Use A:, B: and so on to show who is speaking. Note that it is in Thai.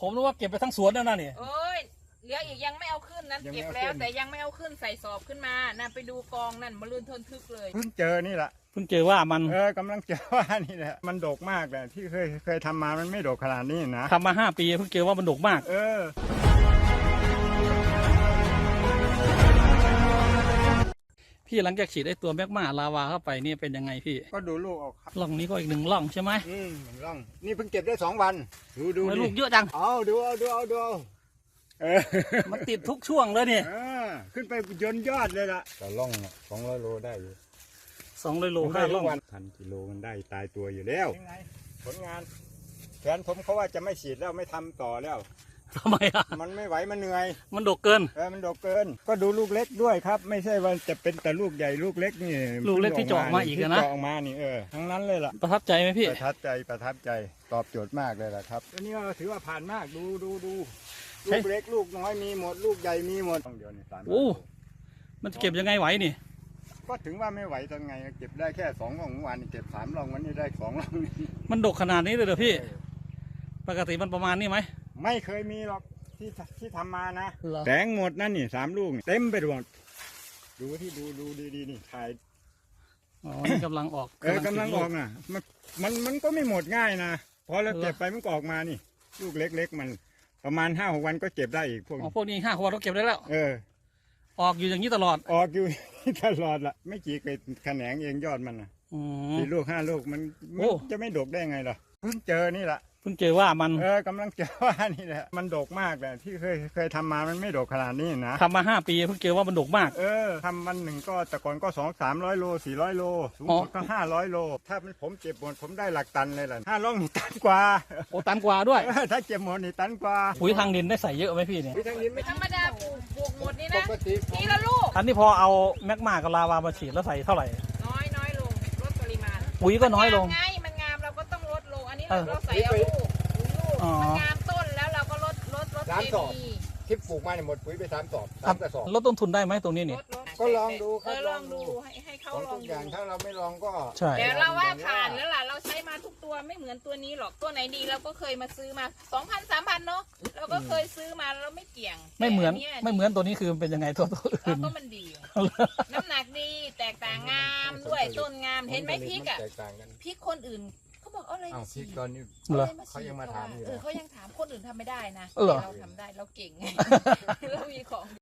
A: ผมนึกว่าเก็บไปทั้งสวนแล้วนะเนี่ย
B: โอ้ยเหลืออีกยังไม่เอาขึ้นนั้นเก็บแล้วแต่ยังไม่เอาขึ้นใส่สอบขึ้นมานั่นไปดูกองนั่นมาลื่นทนทึกเลย
C: เพิ่งเจอนี่แหละ
A: เพิ่งเจอว่ามัน
C: กำลังเจอว่านี่แหละมันดกมากเลยที่เคยทำมามันไม่ดกขนาดนี้นะ
A: ทำมา5 ปีเพิ่งเจอว่ามันดกมากพี่หลังจากฉีดไอ้ตัวแมกมาลาวาเข้าไปนี่เป็นยังไงพี่
C: ก็ดูลูกออกครับ
A: ร่องนี้ก็อีก1 ร่องใช่ไหม
C: ร่องนี่เพิ่งเก็บได้2 วันดู
A: ลูกเยอะจัง
C: ดู
A: มันติดทุกช่วงเลยเนี่ย
C: ขึ้นไปยนยอดเลยล่ะแต่ร่อง200 โลได้อยู่
A: 200 โล5 ร่อง
C: 1,000 กิโลมันได้ตายตัวอยู่แล้วผลงานแผนผมเขาว่าจะไม่ฉีดแล้วไม่ทำต่อแล้ว
A: ทำไมอ่ะ
C: มันไม่ไหวมันเหนื่อย
A: มันดกเกิน
C: มันดกเกินก็ดูลูกเล็กด้วยครับไม่ใช่ว่าจะเป็นแต่ลูกใหญ่ลูกเล็กนี่
A: ลูกเล็กที่เจาะมาอีกนะ
C: เจาะมานี่ทั้งนั้นเลยล่ะ
A: ประทับใจไหมพี่
C: ประทับใจตอบโจทย์มากเลยล่ะครับอันนี้ก็ถือว่าผ่านมากดูลูกเล็กลูกน้อยมีหมดลูกใหญ่มีหมดต้องเดียวนี่3
A: โอ้มันจะเก็บยังไงไหวนี่
C: ก็ถึงว่าไม่ไหวตอนไงเก็บได้แค่2 ร่องวันนี้เก็บ3 ร่องวันนี้ได้2 ร่อง
A: มันดกขนาดนี้เลยเหรอพี่ปกติมันประมาณนี้ไหม
C: ไม่เคยมีหรอกที่ทำมานะแตงหมดนั่นนี่3 ลูกเต็มไปหมดดูดีนี่ถ่าย
A: นี่กำลังออก
C: กำลังออกนะมันก็ไม่หมดง่ายนะพอเราเก็บไปมันก็ออกมานี่ลูกเล็กๆมันประมาณ5-6 วันก็เก็บได้อีกพ
A: วกนี้5 วันก็เก็บได้แล้วออกอยู่อย่างนี้ตลอด
C: ออกอยู่ตลอดละไม่กี่เกล็ดแขนงเองยอดมันนะ4 ลูก 5 ลูกมันจะไม่ดกได้ไงล่ะเพิ่งเจอนี่แหละ
A: เพิ่งเจอว่ามัน
C: กำลังเจอว่านี่แหละมันดกมากเลยที่เคยทำมามันไม่ดกขนาดนี้นะ
A: ทำมา5 ปีเพิ่งเจอว่ามันดกมาก
C: ทำวันหนึ่งก็แต่ก่อนก็200-300 โล400 โลสูงสุดก็500 โลถ้าผมเก็บหมดผมได้หลักตันเลยล่ะ5 ร่องนี่ตันกว่า
A: ตันกว่าด้วย
C: ถ้าเก็บหมดนี่ตันกว่า
A: ปุ๋ยทางดินได้ใส่เยอะไหมพี่เนี่ย
C: ปุ๋ยทางดินไม่
B: ธรรมดาปลูกหมดนี่นะทีละลูก
A: อันนี้พอเอาแมกมากับลาวามาฉีดแล้วใส่เท่าไหร่
B: น้อยลงลดปริมาณ
A: ปุ๋ยก็น้อยลง
B: ไงมันงามเราก็ต้องลดลงอันนี้เราใส่เอาลูกมันงามต้นแล้วเราก็ลดเคมี
C: ที่ปลูกมาเนี่ยหมดปุ๋ยไป3 สอบ3 กระสอบ
A: ลดต้นทุนได้ไหมตรงนี้นี่
C: ก็ลองดู
B: ครับลองดูให้เขาลอง
C: ทุกอย่างถ้าเราไม่ลองก็
B: แต่เราว่าผ่านแล้วล่ะเราใช้มาทุกตัวไม่เหมือนตัวนี้หรอกตัวไหนดีเราก็เคยมาซื้อมา2,000-3,000เนาะเราก็เคยซื้อมาแล้วไม่เกี่ยง
A: ไม่เหมือนตัวนี้คือเป็นยังไงตัวอื่น
B: ก็มันดีน้ำหนักดีแตกต่างงามด้วยต้นงามเห็นไหมพริกอ่ะพริกคนอื่นเขาบอกอะไร
C: พริกตอนนี้เขายังมาถามอยู่
B: เขายังถามคนอื่นทำไม่ได้นะเราทำได้เราเก่งไงเรามีของ